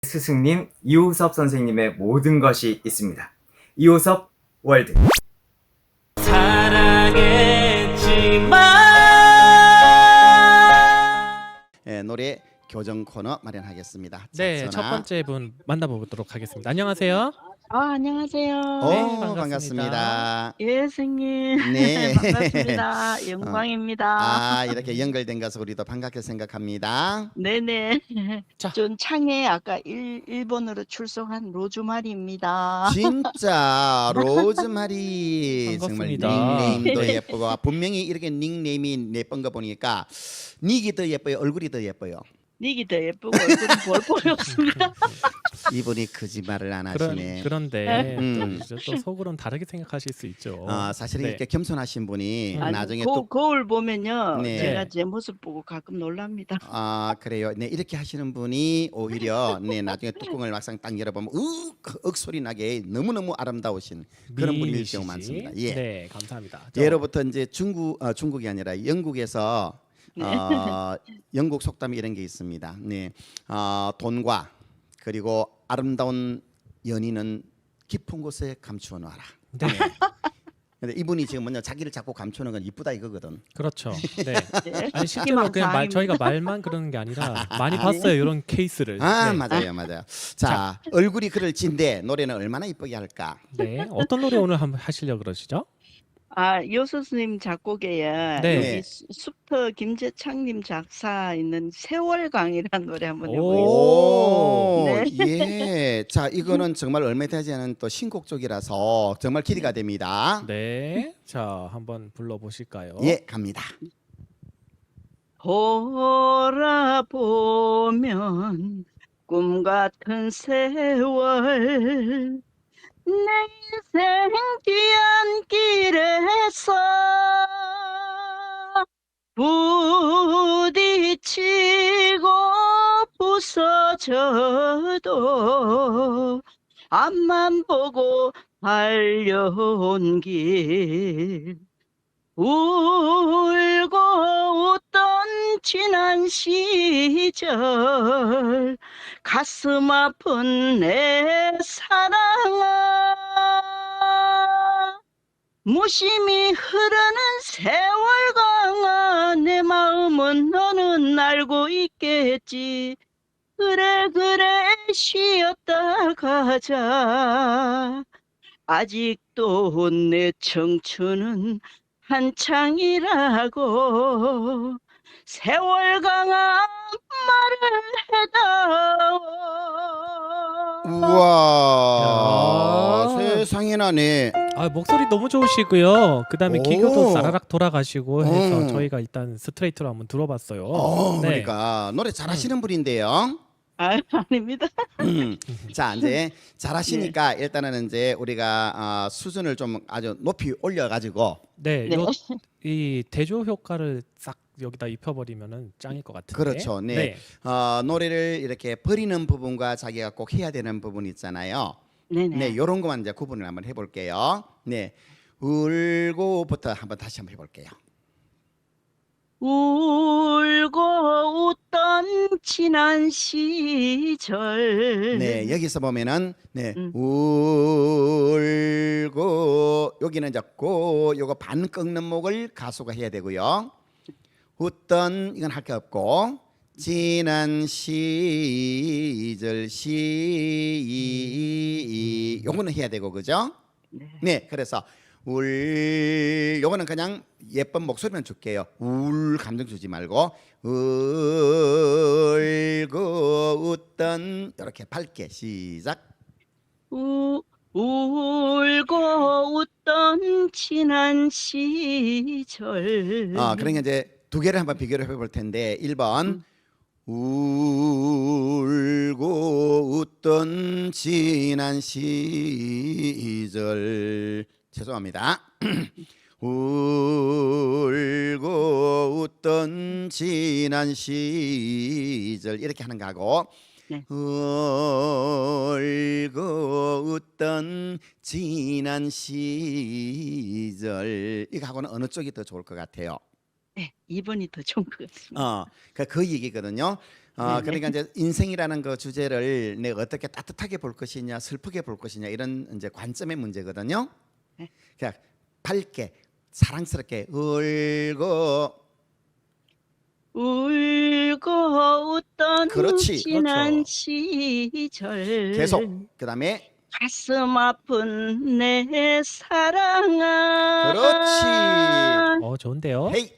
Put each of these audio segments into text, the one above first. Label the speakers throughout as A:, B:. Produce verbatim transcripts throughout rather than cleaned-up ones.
A: 스승님 이호섭 선생님의 모든 것이 있습니다. 이호섭 월드.
B: 예, 노래 교정 코너 마련하겠습니다.
C: 네,
B: 자,
C: 첫
B: 전화.
C: 번째 분 만나보도록 하겠습니다. 안녕하세요.
D: 아, 안녕하세요.
B: 오,
C: 네, 반갑습니다.
B: 반갑습니다.
D: 예, 선생님.
B: 네.
D: 반갑습니다. 영광입니다.
B: 아, 이렇게 연결된 것을 우리도 반갑게 생각합니다.
D: 네네.
C: 자.
D: 전 창에 아까 일, 일본으로 출석한 로즈마리입니다.
B: 진짜 로즈마리 정말
C: 반갑습니다.
B: 닉네임도 예쁘고 분명히 이렇게 닉네임이 예쁜 거 보니까 닉이 더 예뻐요, 얼굴이 더 예뻐요.
D: 닉이 더 예쁘고 얼굴은 볼볼이 없습니다.
B: 이분이 거짓말을 안 하시네.
C: 그런, 그런데
B: 음.
C: 또, 이제 또 속으로는 다르게 생각하실 수 있죠.
B: 어, 사실은
C: 네.
B: 이렇게 겸손하신 분이
C: 음.
D: 아니,
B: 나중에
D: 거,
B: 또
D: 거울 보면요.
B: 네.
D: 제가 제 모습 보고 가끔 놀랍니다.
B: 아 그래요. 네 이렇게 하시는 분이 오히려 네 나중에 뚜껑을 막상 딱 열어보면 으윽 소리 나게 너무 너무 아름다우신 그런 분일
C: 미인이시지?
B: 경우 많습니다. 예.
C: 네, 감사합니다. 저-
B: 예로부터 이제 중국 어, 중국이 아니라 영국에서 어, 영국 속담 이런 게 있습니다. 네, 어, 돈과 그리고 아름다운 연인은 깊은 곳에 감추어 놔라.
C: 네,
B: 근데 이분이 지금 먼저 자기를 자꾸 감추는 건 이쁘다 이거거든.
C: 그렇죠. 네.
D: 네.
C: 아니 실제로 그냥 말, 저희가 말만 그러는 게 아니라 많이 봤어요 이런 케이스를.
B: 아
C: 네.
B: 맞아요, 맞아요. 자, 얼굴이 그럴 진데 노래는 얼마나 이쁘게 할까?
C: 네, 어떤 노래 오늘 한번 하시려 고 그러시죠?
D: 아, 요수스님 작곡에
C: 네.
D: 여기 수- 숲터 김재창님 작사 있는 세월강이라는 노래 한번 해보겠습니다.
B: 오,
D: 네.
B: 예. 자, 이거는 정말 얼마 되지 않은 또 신곡 쪽이라서 정말 기대가 됩니다.
C: 네, 자 한번 불러보실까요?
B: 예, 갑니다.
D: 돌아보면 꿈 같은 세월 내 인생 뒤안길에서 부딪히고 부서져도 앞만 보고 달려온 길 울고 웃던 지난 시절 가슴 아픈 내 사랑아 무심히 흐르는 세월강아 내 마음은 너는 알고 있겠지 그래 그래 쉬었다 가자 아직도 내 청춘은 한창이라고 세월강아 말을 해다오.
B: 우와,
C: 야.
B: 세상에나 네.
C: 아 목소리 너무 좋으시고요. 그다음에
B: 오.
C: 기교도 사라락 돌아가시고 해서
B: 음.
C: 저희가 일단 스트레이트로 한번 들어봤어요.
B: 어,
C: 네.
B: 그러니까 노래 잘하시는 분인데요.
D: 아, 아닙니다.
B: 음. 자, 이제 잘하시니까 일단은 이제 우리가 어, 수준을 좀 아주 높이 올려가지고
C: 네,
D: 네.
C: 요, 이 대조 효과를 싹 여기다 입혀버리면은 짱일 것 같은데.
B: 그렇죠. 네. 어, 노래를 이렇게 버리는 부분과 자기가 꼭 해야 되는 부분 있잖아요.
D: 네네.
B: 네, 요런 것만 이제 구분을 한번 해볼게요. 네, 울고부터 한번 다시 한번 해볼게요.
D: 울고 웃던 지난 시절.
B: 네, 여기서 보면은 네,
D: 음.
B: 울고 여기는 이제 고 요거 반 꺾는 목을 가수가 해야 되고요. 웃던 이건 할 게 없고 지난 시절 시 요거는 해야 되고 그죠?
D: 네.
B: 네, 그래서 울 요거는 그냥 예쁜 목소리만 줄게요. 울 감정 주지 말고 울고 웃던 이렇게 밝게 시작.
D: 우, 울고 웃던 지난 시절.
B: 아, 그러니까 이제 두 개를 한번 비교를 해볼 텐데 일 번 울고 웃던 지난 시절 죄송합니다. 울고 웃던 지난 시절 이렇게 하는 거하고
D: 네.
B: 울고 웃던 지난 시절 이거 하고는 어느 쪽이 더 좋을 것 같아요?
D: 네, 이 번이 더 좋은 것 같습니다.
B: 어, 그, 그 얘기거든요. 어,
D: 네네.
B: 그러니까 이제 인생이라는 그 주제를 내가 어떻게 따뜻하게 볼 것이냐, 슬프게 볼 것이냐 이런 이제 관점의 문제거든요.
D: 네.
B: 그냥 밝게, 사랑스럽게 울고,
D: 울고 웃던
B: 그렇지.
D: 지난
C: 그렇죠.
D: 시절
B: 계속. 그다음에
D: 가슴 아픈 내 사랑아
B: 그렇지.
C: 어 좋은데요.
B: 헤이.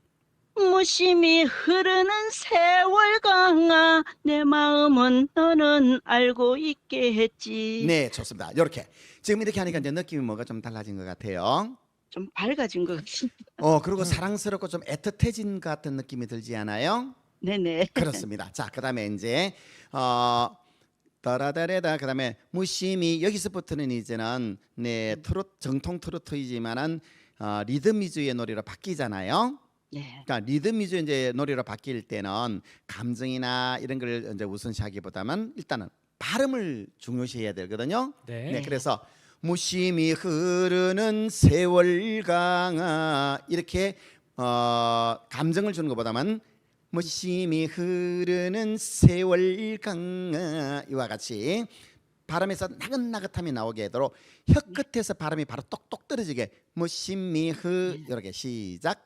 D: 무심히 흐르는 세월 강아 내 마음은 너는 알고 있겠지.
B: 네, 좋습니다. 이렇게 지금 이렇게 하니까 이제 느낌이 뭐가 좀 달라진 것 같아요.
D: 좀 밝아진 것 같습니다.
B: 어, 그리고
C: 음.
B: 사랑스럽고 좀 애틋해진 것 같은 느낌이 들지 않아요?
D: 네네.
B: 그렇습니다. 자, 그다음에 이제 어 따라다레다 그다음에 무심히 여기서부터는 이제는 네 트로트 정통 트로트이지만은 어, 리듬 위주의 노래로 바뀌잖아요.
D: 네.
B: 그러니까 리듬 위주의 이제 노래로 바뀔 때는 감정이나 이런 걸 이제 우선시하기보다는 일단은 발음을 중요시해야 되거든요.
C: 네.
B: 네, 그래서 무심히 흐르는 세월 강아 이렇게 어, 감정을 주는 것보다는 무심히 흐르는 세월 강아 이와 같이 발음에서 나긋나긋함이 나오게 하도록 혀 끝에서 발음이 바로 똑똑 떨어지게 무심히 흐 이렇게 시작.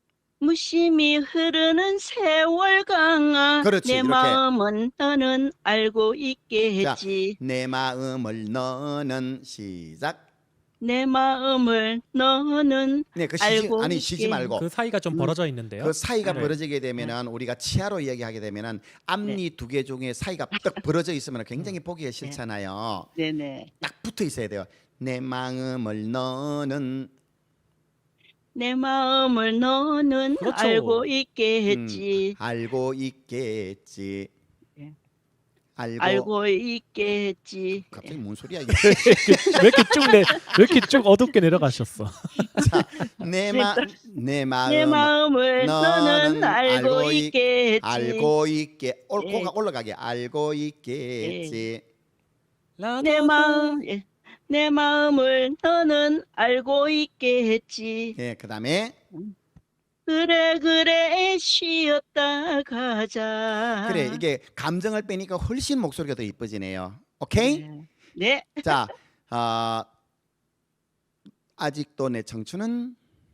D: 무심히 흐르는 세월 강아
B: 그렇지,
D: 내
B: 이렇게.
D: 마음은 너는 알고 있겠지.
B: 내 마음을 너는 시작.
D: 내 마음을 너는
B: 네, 그 쉬지
D: 알고
B: 아니 쉬지
D: 있게.
B: 말고
C: 그 사이가 좀
D: 음.
C: 벌어져 있는데요.
B: 그 사이가
C: 네.
B: 벌어지게 되면은 우리가 치아로 이야기하게 되면은 앞니 두 개 중에 사이가 딱 벌어져 있으면 굉장히 보기가 싫잖아요.
D: 네네.
B: 딱 붙어 있어야 돼요. 내 마음을 너는
D: 내 마음을 너는
C: 그렇죠.
D: 알고 있겠지.
B: 음, 알고 있겠지.
D: 네.
B: 알고,
D: 알고 있겠지.
B: 갑자기 뭔 소리야 이게?
C: 왜 이렇게 쭉 내, 왜 이렇게 쭉 어둡게 내려가셨어?
B: 내마 내 마음
D: 내 마음을
B: 너는
D: 너는 알고
B: 알고 있-
D: 있겠지.
B: 알고 있게 올
D: 예.
B: 코가 올라가게 알고 있겠지.
D: 내 마음, 예. 내 마음을 너는 알고 있겠지.
B: 예, 그다음에
D: 그래 그래 쉬었다 가자.
B: 그래 이게 감정을 빼니까 훨씬 목소리가 더 이뻐지네요. 오케이?
D: 네. 네.
B: 자, 어, 아직도 내 청춘은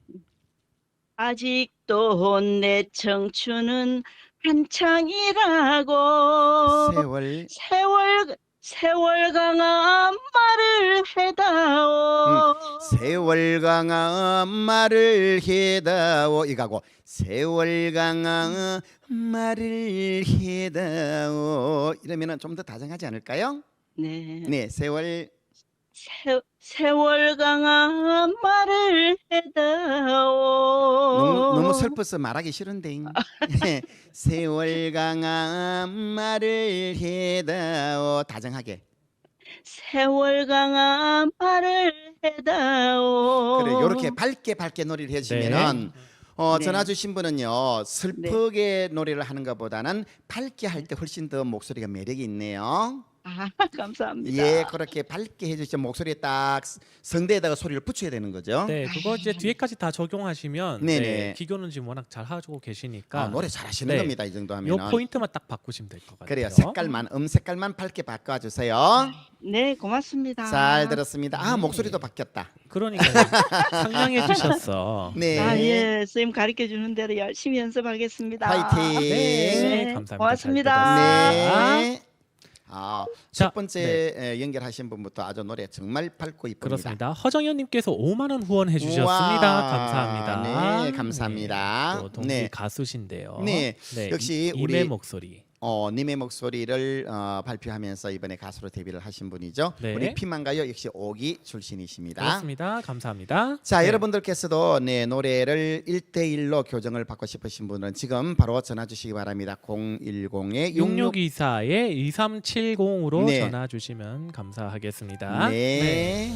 D: 아직도 내 청춘은 한창이라고.
B: 세월
D: 세월 세월 강한 말을 해다오.
B: 세월 강아 말을 해다오 이가고 세월 강아 말을 해다오 이러면은 좀 더 다정하지 않을까요?
D: 네.
B: 네, 세월
D: 세, 세월 강한 말을 해다오.
B: 너무, 너무 슬퍼서 말하기 싫은데 세월 강아 말을 해다오 다정하게
D: 세월 강한 말을 해다오.
B: 그래 요렇게 밝게 밝게 노래를 해주시면은 어,
D: 네.
B: 전화 주신 분은요 슬프게 노래를 하는 것보다는 밝게 할 때 훨씬 더 목소리가 매력이 있네요.
D: 아, 감사합니다.
B: 예, 그렇게 밝게 해주시면 목소리에 딱 성대에다가 소리를 붙여야 되는 거죠.
C: 네, 그거 이제 뒤에까지 다 적용하시면
B: 네네.
C: 네, 기교는 지금 워낙 잘 하고 계시니까
B: 아, 노래 잘하시는
C: 네.
B: 겁니다. 이 정도
C: 요
B: 하면은.
C: 포인트만 딱 바꾸시면 될 것 같아요.
B: 그래요. 색깔만 음 색깔만 밝게 바꿔주세요.
D: 네, 고맙습니다.
B: 잘 들었습니다. 아
C: 네.
B: 목소리도 바뀌었다.
C: 그러니까요. 상냥해 주셨어.
B: 네.
D: 아, 예, 선생님 가르쳐 주는 대로 열심히 연습하겠습니다.
B: 파이팅.
C: 네,
D: 네,
C: 감사합니다.
D: 고맙습니다.
C: 잘 들었습니다.
B: 네. 아,
C: 자,
B: 첫 번째 에, 연결하신 분부터 아주 노래 정말 밝고 이쁩니다.
C: 그렇습니다. 허정현님께서 오만 원 후원해 주셨습니다.
B: 우와.
C: 감사합니다.
B: 네, 감사합니다.
C: 네, 또 동기
B: 네.
C: 가수신데요.
B: 네, 역시
C: 이-
B: 우리-
C: 임의 목소리.
B: 어, 님의 목소리를 어, 발표하면서 이번에 가수로 데뷔를 하신 분이죠.
C: 네.
B: 우리 피만가요 역시 오기 출신이십니다.
C: 그렇습니다. 감사합니다.
B: 자,
C: 네.
B: 여러분들께서도 네, 노래를 일대일로 교정을 받고 싶으신 분은 지금 바로 전화 주시기 바랍니다. 공일공에 육육
C: 육육이사에 이삼칠공으로
B: 네.
C: 전화 주시면 감사하겠습니다.
B: 네.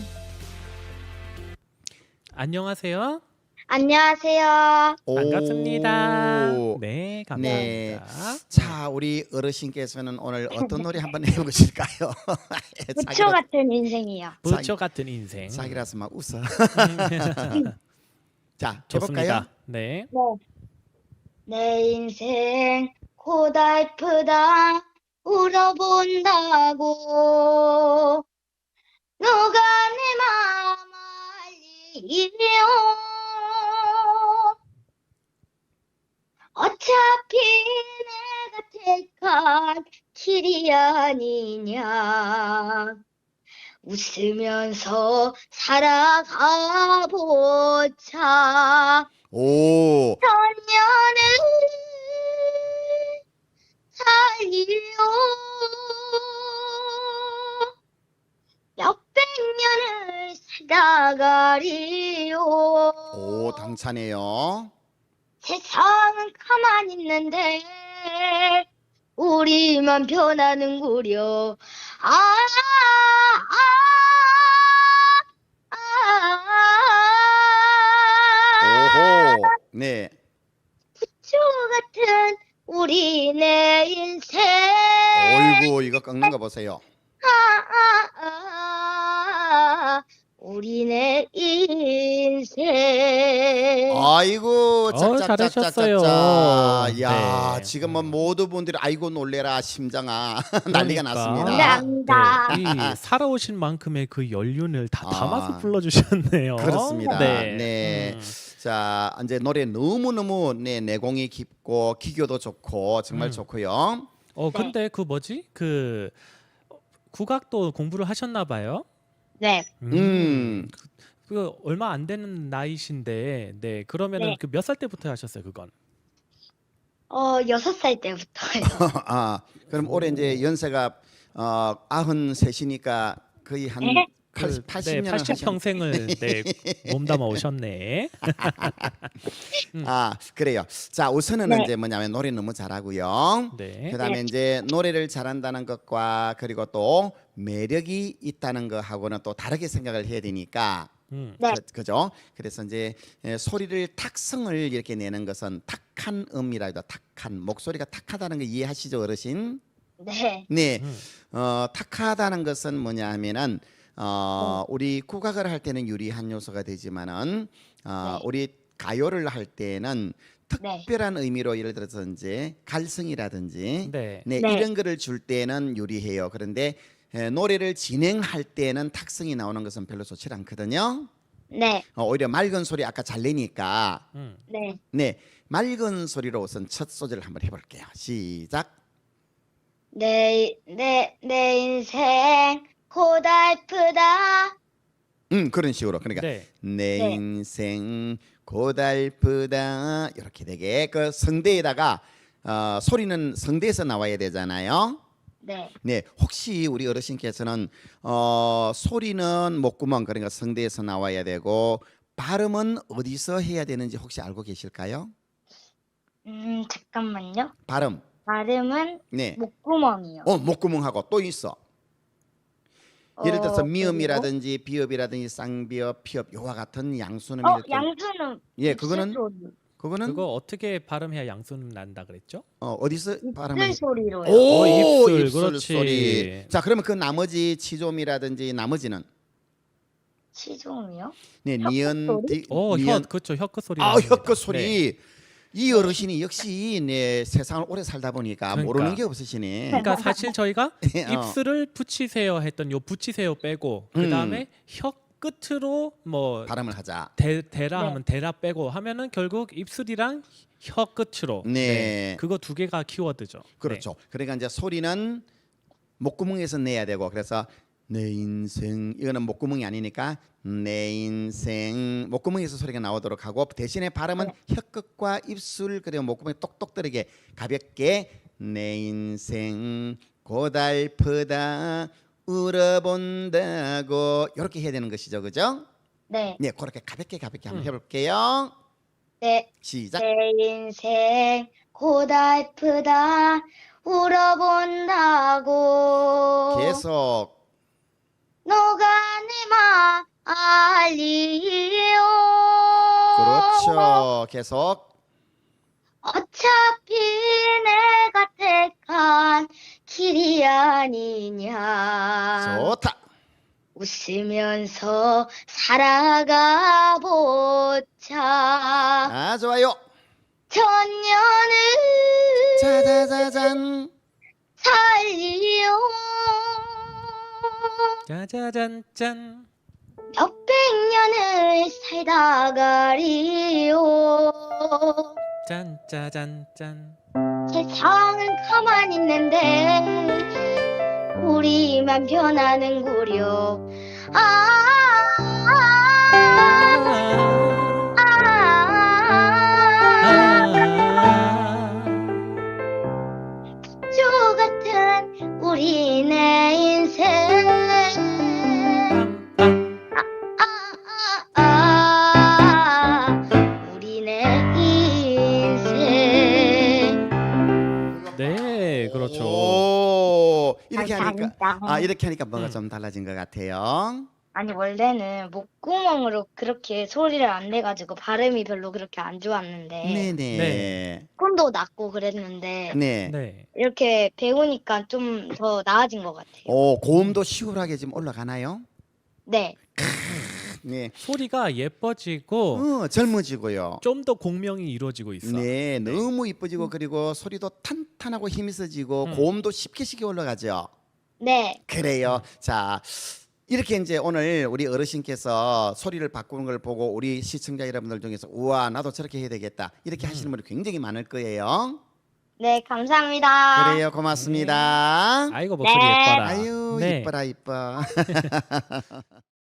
C: 안녕하세요.
E: 안녕하세요.
B: 오.
C: 반갑습니다. 네, 감사합니다.
B: 네. 자, 우리 어르신께서는 오늘 어떤 노래 한번 해보실까요?
E: 부초 같은 인생이요.
C: 부처 같은 인생.
B: 자기라서 막 웃어. 자, 해볼까요?
C: 좋습니다. 네.
E: 네. 내 인생 고달프다 울어본다고 누가 내 마음 알리요 어차피 내가 택한 길이 아니냐 웃으면서 살아가 보자
B: 오,
E: 천년을 살리요 몇백 년을 살아가리요
B: 오, 당차네요.
E: 세상은 가만히 있는데 우리만 변하는구려 아, 아, 아, 아,
B: 오호, 네.
E: 부초 같은 우리 내 인생
B: 어이구, 이거 꺾는 거 보세요.
E: 아, 아, 아, 우리 내 인생
B: 아이고,
C: 어, 잘하셨어요.
B: 짝짝짝짝짝짝. 야,
C: 네.
B: 지금 뭐 모두 분들이 아이고 놀래라 심장아 난리가
C: 그러니까.
B: 났습니다.
E: 감사합니다.
C: 네, 이 살아오신 만큼의 그 연륜을 다
B: 아.
C: 담아서 불러주셨네요.
B: 그렇습니다.
C: 네.
B: 네.
C: 음.
B: 자, 이제 노래 너무 너무 네, 내공이 깊고 기교도 좋고 정말
C: 음.
B: 좋고요.
C: 어 근데 그 뭐지 그 국악도 공부를 하셨나 봐요.
E: 네,
B: 음.
C: 그, 그 얼마 안 되는 나이신데, 네 그러면은
E: 네.
C: 그 몇 살 때부터 하셨어요 그건?
E: 어, 여섯 살 때부터요.
B: 아, 그럼 올해 이제 연세가 어, 아흔셋이니까 거의 한
E: 네.
B: 팔- 팔십 년을
C: 네, 팔십 평생을 네, 몸담아 오셨네.
B: 아, 그래요. 자, 우선은
E: 네.
B: 이제 뭐냐면 노래 너무 잘하고요.
C: 네.
B: 그다음에 이제 노래를 잘한다는 것과 그리고 또 매력이 있다는 거하고는 또 다르게 생각을 해야 되니까
C: 음.
E: 네.
B: 그, 그죠? 그래서 이제 에, 소리를 탁성을 이렇게 내는 것은 탁한 음이라 해도 탁한 목소리가 탁하다는 거 이해하시죠, 어르신?
E: 네,
B: 네.
C: 음.
B: 어, 탁하다는 것은 뭐냐 하면은 어, 우리 국악을 할 때는 유리한 요소가 되지만은 어,
E: 네.
B: 우리 가요를 할 때는
E: 네.
B: 특별한 의미로 예를 들어서 이제 갈성이라든지
C: 네.
B: 네,
E: 네.
B: 이런 거를 줄 때는 유리해요. 그런데 에, 노래를 진행할 때는 탁성이 나오는 것은 별로 좋지 않거든요.
E: 네,
B: 어, 오히려 맑은 소리 아까 잘 내니까
C: 음.
E: 네.
B: 네, 맑은 소리로 우선 첫 소절을 한번 해볼게요. 시작.
E: 내, 내, 내 인생 고달프다.
B: 음, 그런 식으로. 그러니까
C: 네.
B: 내
E: 네.
B: 인생 고달프다 이렇게 되게 그 성대에다가 어, 소리는 성대에서 나와야 되잖아요.
E: 네,
B: 네, 혹시 우리 어르신께서는 어, 소리는 목구멍 그러니까 성대에서 나와야 되고 발음은 어디서 해야 되는지 혹시 알고 계실까요?
E: 음, 잠깐만요.
B: 발음.
E: 발음은
B: 네.
E: 목구멍이요.
B: 어, 목구멍하고 또 있어. 예를 들어서
E: 어,
B: 미음이라든지 비읍이라든지 쌍비읍, 피읍 요와 같은 양수는
E: 그리고? 어,
B: 이렇게
E: 양수는
B: 예, 그거는
E: 입술 소리.
B: 그거는
C: 그거 어떻게 발음해야 양수는 난다 그랬죠?
B: 어, 어디서
E: 입술
B: 발음을
E: 소리로요.
B: 오,
C: 어, 입술,
B: 입술
C: 그렇지.
B: 소리. 자, 그러면 그 나머지 치조미라든지 나머지는
E: 치종이요?
B: 네,
E: 혀끝
B: 니은
E: 소리?
B: 디,
C: 어, 혀
B: 니은
C: 그렇죠. 혀끝 소리.
B: 아,
C: 나옵니다.
B: 혀끝 소리.
C: 네.
B: 이 어르신이 역시 네, 세상을 오래 살다 보니까
C: 그러니까.
B: 모르는 게 없으시네.
C: 그러니까 사실 저희가
B: 어.
C: 입술을 붙이세요 했던 요 붙이세요 빼고
B: 음.
C: 그 다음에 혀 끝으로 뭐
B: 발음을 하자.
C: 대, 대라
E: 네.
C: 하면 대라 빼고 하면은 결국 입술이랑 혀 끝으로
B: 네.
C: 그거 두 개가 키워드죠.
B: 그렇죠. 그러니까 이제 소리는 목구멍에서 내야 되고 그래서 내 인생 이거는 목구멍이 아니니까 내 인생 목구멍에서 소리가 나오도록 하고 대신에 발음은 혀끝과 입술 그리고 목구멍에 똑똑 떨게 가볍게 내 인생 고달프다 울어본다고 이렇게 해야 되는 것이죠, 그죠?
E: 네,
B: 네, 그렇게 가볍게 가볍게 한번
C: 음.
B: 해볼게요.
E: 네.
B: 시작.
E: 내 인생 고달프다 울어본다고
B: 계속.
E: 너가 내 맘 알리요.
B: 그렇죠. 계속.
E: 어차피 내가 택한 길이 아니냐.
B: 좋다.
E: 웃으면서 살아가 보자.
B: 아, 좋아요.
E: 천년을
B: 짜자자잔.
E: 살리요.
C: 짜자잔짠.
E: 몇백 년을 살다 가리요.
C: 짠짜잔짠.
E: 세상은 가만히 있는데 우리만 변하는구려. 아, 아, 아, 아, 주 같은 우리네 인생. 아, 아, 아, 우리네 인생.
C: 네, 그렇죠.
B: 오, 이렇게 하니까
E: 감사합니다.
B: 아 이렇게 하니까 뭐가
C: 음.
B: 좀 달라진 것 같아요.
E: 아니 원래는 목구멍으로 그렇게 소리를 안 내가지고 발음이 별로 그렇게 안 좋았는데
B: 네네.
C: 네.
E: 꿈도 낮고 그랬는데
B: 네.
C: 네.
E: 이렇게 배우니까 좀 더 나아진 것 같아요.
B: 오, 고음도 시원하게 지금 올라가나요?
E: 네,
B: 네.
C: 소리가 예뻐지고
B: 어, 젊어지고요.
C: 좀 더 공명이 이루어지고 있어.
B: 네, 너무 이뻐지고 그리고 소리도 탄탄하고 힘이 있어지고
C: 음.
B: 고음도 쉽게 쉽게 올라가죠.
E: 네,
B: 그래요. 자, 이렇게 이제 오늘 우리 어르신께서 소리를 바꾸는 걸 보고 우리 시청자 여러분들 중에서 우와 나도 저렇게 해야 되겠다 이렇게
C: 음.
B: 하시는 분이 굉장히 많을 거예요.
E: 네, 감사합니다.
B: 그래요, 고맙습니다.
C: 아이고 목소리
E: 네.
C: 예뻐라.
B: 아유
C: 네.
B: 이뻐라 이뻐.